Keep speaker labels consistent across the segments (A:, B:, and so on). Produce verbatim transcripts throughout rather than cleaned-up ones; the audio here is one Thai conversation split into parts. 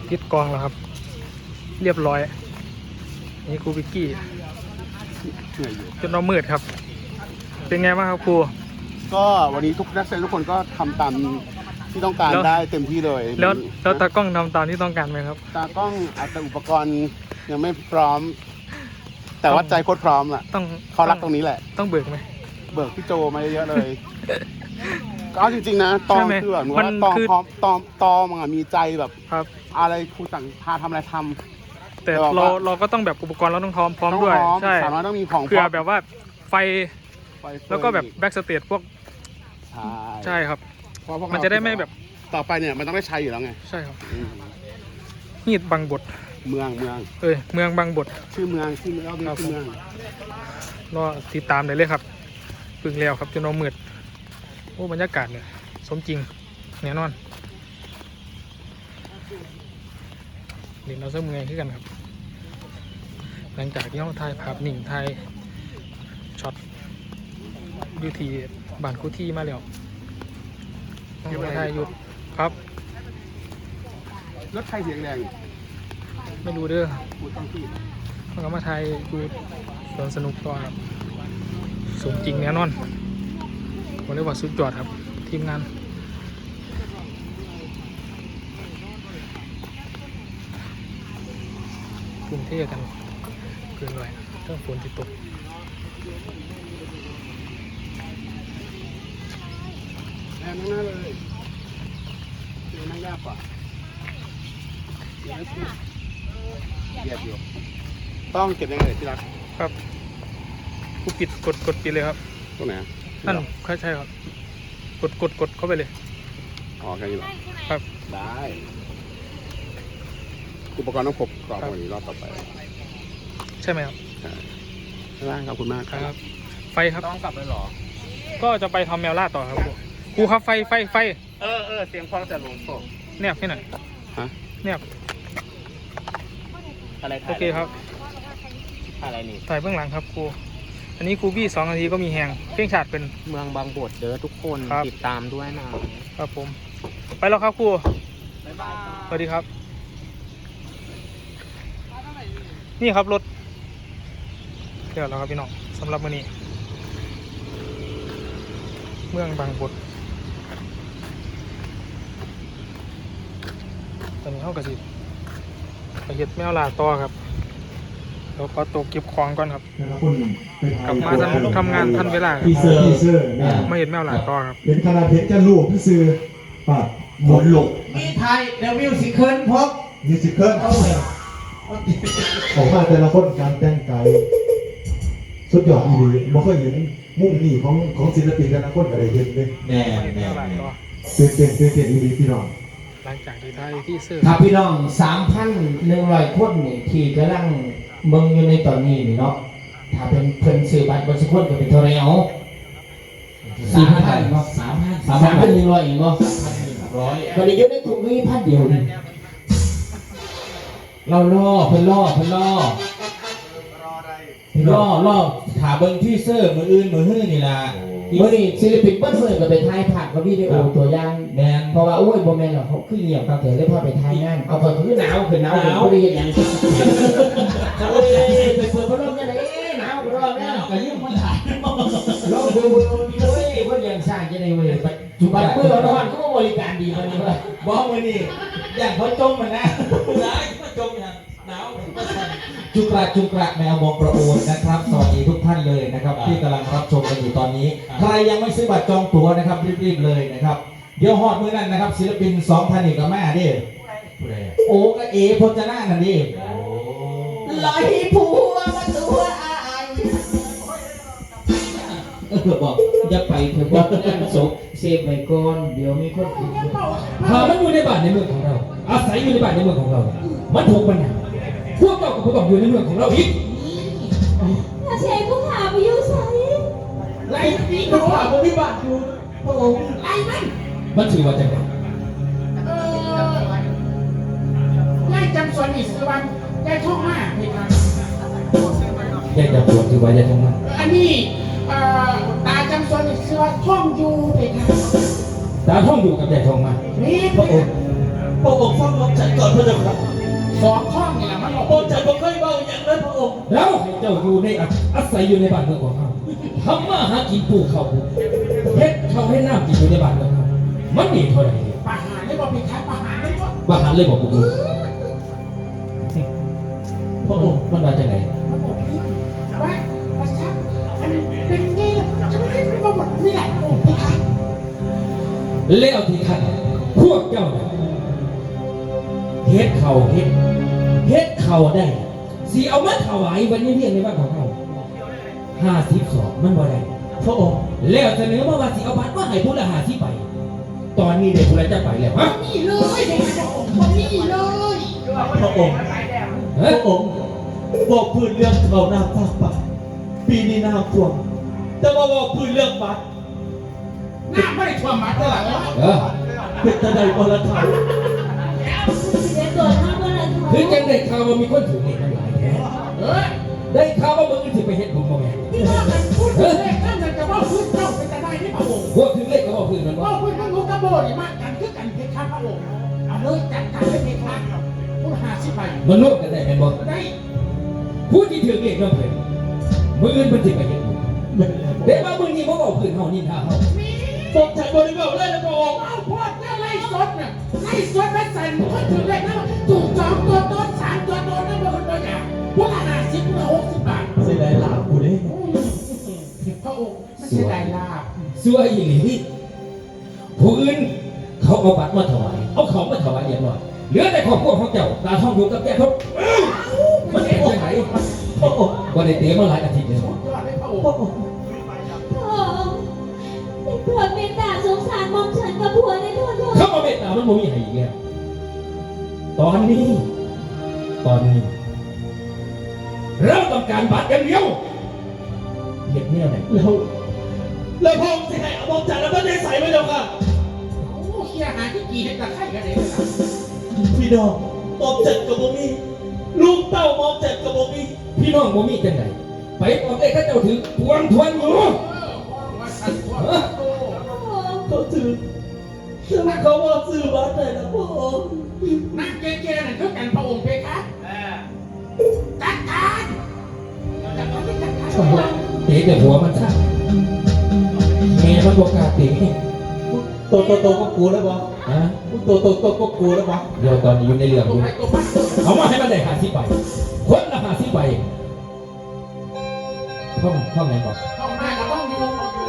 A: ติดกองแล้วครับเรียบร้อยนี่ครูบิกกี้จนเรามืดครับเป็นไงบ้างครับครู
B: ก็วันนี้ทุกนักแสดงทุกคนก็ทำตามที่ต้องการได้เต็มที่เลย
A: แล้วแล้วตากล้องทำตามที่ต้องการไหมครับ
B: ตากล้องอาจจะอุปกรณ์ยังไม่พร้อมแต่ว่าใจโคตรพร้อมอ่ะ
A: ต้อง
B: เขารักตรงนี้แหละ
A: ต้องเบิกไหม
B: เบิกพี่โจมาเยอะเลยก็จริงๆนะตองคือแบบว่าตองพร้อมตองตองมันมีใจแบบอะไรครูสั่งพาทำอะไรทำ
A: แต่เราเราก็ต้องแบบอุปกรณ์เราต้องพร้อมพร้อมด้วยใช่
B: สามารถต้องมีของ
A: เผื่อแบบว่าไฟแล้วก็แบบแบ็กสเตจพวกใช่ครับมันจะได้ไม่แบบ
B: ต่อไปเนี่ยมันต้องได้ใช้อยู่แล้วไง
A: ใช่ครับฮีดบางบท
B: เมืองเมือง
A: เอ้ยเมืองบางบท
B: ชื่อเมืองชื่อเมืองชื่อเมือง
A: รอติดตามได้เลยครับพึ่งแล้วครับจนเรามืดโอ้บรรยากาศเนี่ยสมจริงแน่นอนเดี๋ยวเราจะเมื่อยขึ้นกันครับหลังจากที่เราถ่ายภาพนิ่งถ่ายช็อตยูทีบ้านคู่ที่มาแล้วต้องไปถ่ายอยู่ครับ
B: รถใครเสียงแรง
A: ไม่รู้เด้อมันก็มาถ่ายดูสวนสนุกต่อครับสมจริงแน่นอนผมเรียกว่าสุดยอดครับทีมงานกรุงเทพกันเกินเลยเรื่องฝนที่ตก
B: แรงนั่งหน้าเลยเดี๋ยวนั่งยากกว่าเยียบอยู่ต้องเก็บยังไงที่รัก
A: ครับกูปิดกดกดปิดเลยครับ
B: ตรงไหน
A: นั่นใช่ครับกดกดกดเข้าไปเลย
B: อ๋อแค่นี้เหรอ
A: ครับ
B: ได้อุปกรณ์ต้องครบก่อนวันนี้รอบต่อไป
A: ใช่ไหมครับ
B: ใช่ได้ขอบคุณมาก
A: ครับไฟครับ
B: ต้องกลับเลยหรอ
A: ก็จะไปทำแมวล่าต่อครับครูครับไฟไฟไฟ
B: เออเออเสียงฟังแต่ลมโซ่
A: เนียบให้หน่อย
B: ฮะ
A: เนียบ
B: อะไร
A: โอเคครับ
B: อะไรนี่
A: ถ่ายเบื้องหลังครับครูอันนี้ครูบี้สองนาทีก็มีแหงเพียงฉาดเป็น
C: เมืองบางบทเด้อทุกคนติดตามด้วยนะครับ
A: ผมไปแล้วครับครูสวัสดีครับนี่ครับรถเดี๋ยวเราครับพี่น้องสำหรับวันนี้เมืองบางบทตอนนี้เข้ากระสิบไปเห็ดแมวลาต่อครับเราขอตัวเก็บของก่อนครับกลับมาทำงานทันเวลาไม่เห็นแมวลาต่อครับ
D: เป็นคาราเพชรจะลูกที่ซื้อปะหมดหลก
C: มีไทยเดวิลสิเคิลพบ
D: มิวสิคเคิลของมาแต่ละคนการแต่งกายสุดยอดอีหลีไม่เคยเห็นมุมนี้ของของศิลปินแต่ละคนอะไรเห็นเลย
C: แน่แน่
D: เต้นเต้นเต้นเต้นอีหลีพี่น้อง
A: หลังจากที่ได้ที่ซื้อ
C: ถ้าพี่น้องสามพันหนึ่งร้อยคนนี่ที่กำลังเมืองอยู่ในตอนนี้นี่เนาะถ้าเป็นเพิ่นซื้อบัตรบนสกุลก็เป็นเท่าไรเอาสี่พันเนาะสามพันสามพันหนึ่งร้อยเองเนาะร้อยตอนนี้ยกได้ถูกนี่พันเดียวนี่เราล่อเพิ่นล่อเพิ่นล่อล่อล่อถาเบิ้งที่เซอร์มืออื่นมือหื้อนี่ล่ะเมื่อนี้ศิลปินเปิ้ลเฟิร์นก็ไปถ่ายภาพกับวิดีโอตัวอย่างแมนเพราะว่าโอ้ยโบแมนหรอกเขาขึ้นเงียบตั้งแต่ได้พอไปถ่ายงานเอาคนคือหนาวคือหนาวคือเขาได้ยังไงเขาเลยไปเปิดพัดลมยังไงหนาวรอบแล้วก็ยิ่งคนถ่ายลองดูดูเฮ้ยคนยังสร้างจะได้เว้ยไปจุบันเมื่อเราทำก็บริการดีมันนี่เลยบอกวันนี้อย่างเขาจมมันนะร้ายก็จมอย่างหนาวจุกระจุกระแมวมองประโอนนะครับสวัสดีทุกท่านเลยนะครับที่กำลังรับชมกันอยู่ตอนนี้ใครยังไม่ซื้อบัตรจองตั๋วนะครับรีบๆเลยนะครับเดี๋ยวฮอดมื้อนั้นนะครับศิลปินสองพันอีกกับแม่ดิโอ้ก็เอพจนานั่นดิลอยผัวมาตัวอายเออบอกอย่าไปเถอะว่างานศพเซฟไว้ก่อนเดี๋ยวมีคน
E: หามันอยู่ในบ้านในเมืองของเราอาศัยอยู่ในบ้านในเมืองของเรามันถูกปัญหาพวกเราก็ต้องอยู่ในเมืองของเราอีก
F: ถ้าเชฟก็ถามไปอยู่ใส่
E: ไล่ปีกถามว่ามีบ้านอยู่พระองค์ไล่มันมันถือว่าจะไง
F: เออไล่จำส่วนอิสวันได้ท่องมาเพคะ
E: แยกจากส่วนถือว่าจะท่องมา
F: อันนี้ตาจำส่วนอิสวันท่องอยู่เพคะ
E: ตาท่องอยู่กับแยกท่องมา
F: นี่
E: พระองค์
G: พระองค์ฟังหม่อมฉันก่อนพระเจ้าค่ะ
F: สองช่องนี่แหละมันหลอก
G: หม่อมฉันบ่เคยเบาอย่างนั้นพระองค์
E: แล้วให้เจ้าอยู่ในอาอาศัยอยู่ในบ้านเมืองของเขาทำมาหากินปลูกเขาเฮ็ดเขาให้น้ำกินอยู่ในบ้านเมืองเขามันดีเท่าไหร่
F: ประหารได้บอกผิดครับประหารได้บอก
E: บ้าหันเลยบอกกู
G: พระองค์
E: มันมาจากไหน
F: มันบอกพี่ว่าประชาอันเป็นไงล่ะฉันไม่ได้บอกหมดนี่แหละโอ้พี่ครับ
E: แล้วที่ท่านพวกเจ้าเนี่ยเฮ็ดเขาเฮ็ดเฮ็ดเขาได้สีเอามาถวายวันนี้เรียกในบ้านของเขาห้าสิบสองมันบ่ได้
G: พระองค์
E: แล้วเสนอมาว่าสิเอาบัตรมาให้ผู้ละห้าสิบไป ตอนนี้เด็กผู้ละจะไปแล้วฮะ
F: นี่เลยเด็กบอกคนนี้เลย
G: พระองค์
E: เฮ้
G: พ
E: ย
G: ระองค์บอกพื้นเรื่องเขาน้ำภาคป่าปีนี้น้ำท่วมแต่ว่าบอกพื้นเรื่องบัตร
F: หน้าไม่ได้ท่วมมาเท่าไหร่แล้ว
E: เออ
G: เป็นตะไดบรทัย
E: คือจังได้ข่าวว่ามีคนถือเด็กทั้งหลายแท้
F: เฮ้ย
E: ได้ข่าวว่ามึงสิไปเฮ็ดบุญบ่แม่น
F: ที่ว่ากันพูดเลขนั่นจะว่าพูดเจ้าเป็นจะได้ที่พระองค์
E: พวกถึงเลขก็บอกพื้นมัน
F: ว่า
E: ว่า
F: พูดทั้งรู้กระโบนี่มากกันคือกันเพชรพระองค์เอาเลยจัดการให้เพชรพูดหาสิไป
E: มันร่วมกันได้แม่นบ่
F: ได้
E: ผู้ที่ถือเลขน้ำเพิ่นมื้ออื่นเพิ่นสิไปเฮ็ดบุญ
G: ไม่เป็นไร
E: เดี๋ยวมามื้อนี้บ่บอกพื้นเฮานินทาเฮา
F: มี
G: บอกฉันบริบอกเลยนะพระองค์
F: เอาพวกเจ้าไล่สดเนี่ยไล่สดไปใส่คนถือเลขนะถูกสองตัวต้นสามตัวต้นนั่นเป็นคนตัวอย่างพวกละห้าสิบพวกละหกสิบบาท
G: เสียดายลาบกูเด้
F: พระองค์ไม่ใช่ได้ลาบ
E: ซัวอีหลีผู้อื่นเขาเอาบัตรมาถวายเอาของมาถวายเรียบร้อยเหลือแต่ครอบครัวของเจ้าตาท่องอยู่กับแก่ทบมันเห็นจังไหน
G: พระองค์
E: บ่ได้เตะมาหลายอาทิตย์แล้ว
F: ยอดเลยพระอง
G: พระ
F: ค์
G: องค์
H: พ่อเป็นเพื่อนเมตตาสงสารมอมฉันกับผัวได้ทั่วโลก
E: เข้ามาเมตตามันบ่มีให้อีกแล้วตอนนี้ ตอนนี้ เราต้องการบัตรอย่างเดียวเห็ดเนี่ยไหน
G: แล้วแล้วพระองค์จะให้เอาบอกฉันแล้วก็ได้ใส่ไว้แล้วค่ะ
F: โอ้เฮียหาที่กี่เห็นตะไคร้กันเลยนะ
G: พี่น้องมอมจัดกับบ่มีลูกเต้ามอมจัดกับบ่มี
E: พี่น้องบ่มีจังไหนไปปอบได้ข้าเจ้าถือทวงทวนอยู่
F: เออว่าสันตัวโต
H: พ่อ
G: เขาถือถือเขาว่าซื้อบัตรได้นะพระองค์
F: นั่งเก๊ๆนั่นคือกันพระองค์เพคะจัดการจัดการจัดการ
E: เตะแต่หัวมันซะแม่มันบอกกล้าเตะ
G: โตโตโตก็กูแล้วบ่
E: ฮะ
G: โตโตโตก็กูแล้วบ่
E: เดี๋ยวตอนนี้อยู่ในเรื่อง
F: ตั
E: อ
F: ว
E: ยู่
F: ไปตัวมา
E: เอามาให้มันได้หาสิบใบคนละหาสิบใบท่องท่องไหนบอก
F: ต้องมาแล้วต้องอยู่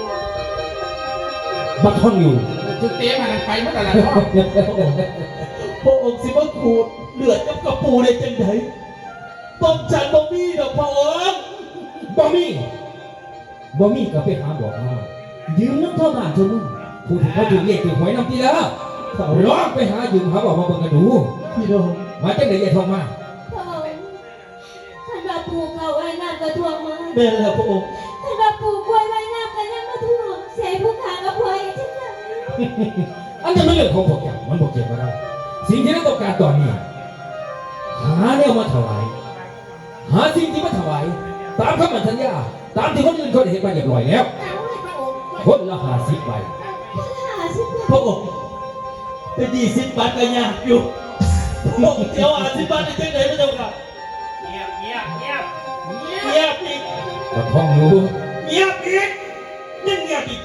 E: บักท่องอยู่
F: จุดเตะมันไปเมื่อไหร่ล่ะพ่อ
G: พระองค์สิว่าขูดเลือดกับกระปูได้จังไดมอมจัดบ่มีดอกพระองค์
E: บ่มีบ่มีก็ไปหาบอกมายืมน้ำเท่าบ้านเท่ามึงผู้ที่เขาถูกเรียกถูกหวยน้ำทีแล้วลองไปหายืมหาบอกมาเบิ่งกันดู
G: พี่น้อง
E: มาจังไหนอย่าท่องมา
H: พ่อขันว่าปลูกเขาไว้น้ำกระท่วมมา
G: แม่แล้วพระองค์
H: ขันว่าปลูกกล้วยไว้น้ำกันยังมาท่วมเสียผู้ขากับผัวอย่างที่ไหน
E: อันนั้นเป็นเรื่องของพวกเจ้ามันบอกเกี่ยวกับเราสิ่งที่เราต้องการตอนนี้ หาแนวมาถวาย หาสิ่งที่มาถวาย ตามคำมั่นสัญญา ตามที่คนอื่นเขาได้เห็นมาเรียบร้อยแล้ว
F: เอาเลยพระองค์
E: คนละหาสิบใบ
H: หาสิบ
G: พระองค์เป็นยี่สิบบาทก็ยากอยู่พระองค์เดี๋ยวอาสิบบาทได้จังไดพระเจ้าค่ะเงียบเงียบเงียบเงียบอีก
E: ก็ท่องอยู่
G: เงียบอีกยังเงียบอีก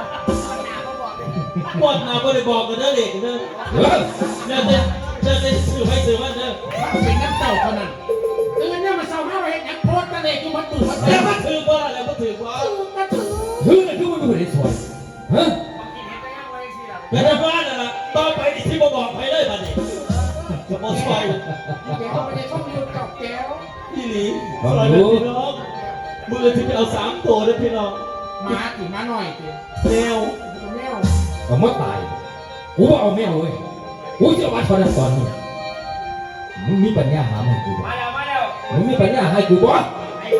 G: บอดมาบ่ได้บอกกันเด้อเด็กเด้อ
E: เออ
G: เด้อเด้อเด้อเด้อสื่อให้สื่อมันเด้อ
F: เป็นน้ำเต่าเท่านั้นตื่นเนี่ยมาเศร้าห้าเห็นยังโพสตะเลอยู่มันตื่นมัน
G: แล้
F: เต้
G: วน ก็ถือว่าแล้วก็ถือว่า
F: ตื่นกระถือ
E: คือน่ะคือมันดูได้สวยฮะ
G: แล้วแต่ว่าน่ะล่ะต่อไปนี่ที่บ่บอกไปเลยบัดนี้จะบ่ซอย
F: แก้วไม่ได้ชอบยืนกับแก้ว
G: พี่หลีซอยเลยพี่น้องมือที่ไปเอาสามตัวเด้อพี่น้อง
F: มาถึงมาหน่อยสิ
G: แมว
F: แมว
E: ก็ไม่ตายกูว่าเอาแม่เว้ยกูจะวัดพนันตอนนี้มึงมีปัญญาหามันกูบ่
G: มาแล้วมาแล้ว
E: มึงมีปัญญาให้กูบ่ฮะ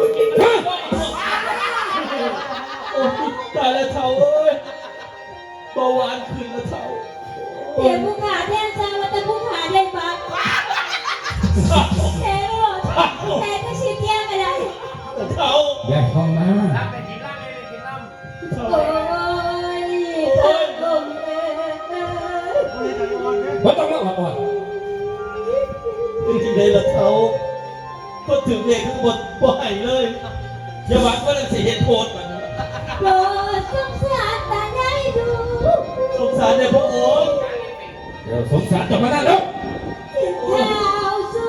G: โอ้ยตายแล้วเท่าเอ้ยเบาหวานขึ้นแล้วเท่า
H: เสียผู้ขาแทนซาว่าแต่ผู้ขาได้บัตรแท้หรอแท้ก็ชิดแย่กันเลย
G: เท่า
E: อย่าท่องมา
G: เท่า
H: โอ้ยพัดลมเอ้ย
E: บ่ต้องมาอ่อน
G: เป็นจริงเลยละเขาก็ถึงเลขทั้งหมดบ่ให้เลยอย่าหวังว่าจะเห็นโทษมัน
H: โปรดสงสารตาใหญ่ดู
G: สงสารในพระองค์
E: เดี๋ยวสงสารจะมาได้แล้ว
H: ข่าวสู้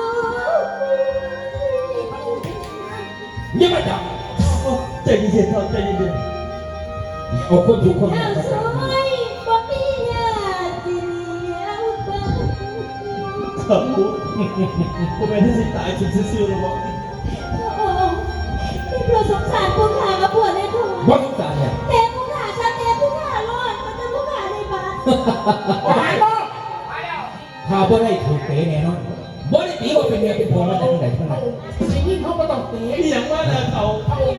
E: อย่ามาจับ
G: ใจเย็นๆครับใจเย็น
E: เอาคนถูกคน
H: ข่าวสวยบ่มีญาติเลี้ยวเบิ่ง
G: ๆครับผมผมเป็นที่สิตายจนซื่อๆแล้วบอก
H: พระองค์ได้โปรดสงสารผู้ขากับผัวในถุง
E: บ่สงสารเนี่ย
H: แต่ผู้ขาชาเตผู้ขารอดมันจะผู้ขาในบ้าน
F: หายบ่
E: ข้าบ่ได้ถูกเตะแน่นอนบ่ได้ตีว่าเป็นเมียเป็นผัวมาจากทางไหนทางไหน
F: ไอ้ยิ่งเขาก็ต้องเตะ
G: มีอย่างว่านะเขา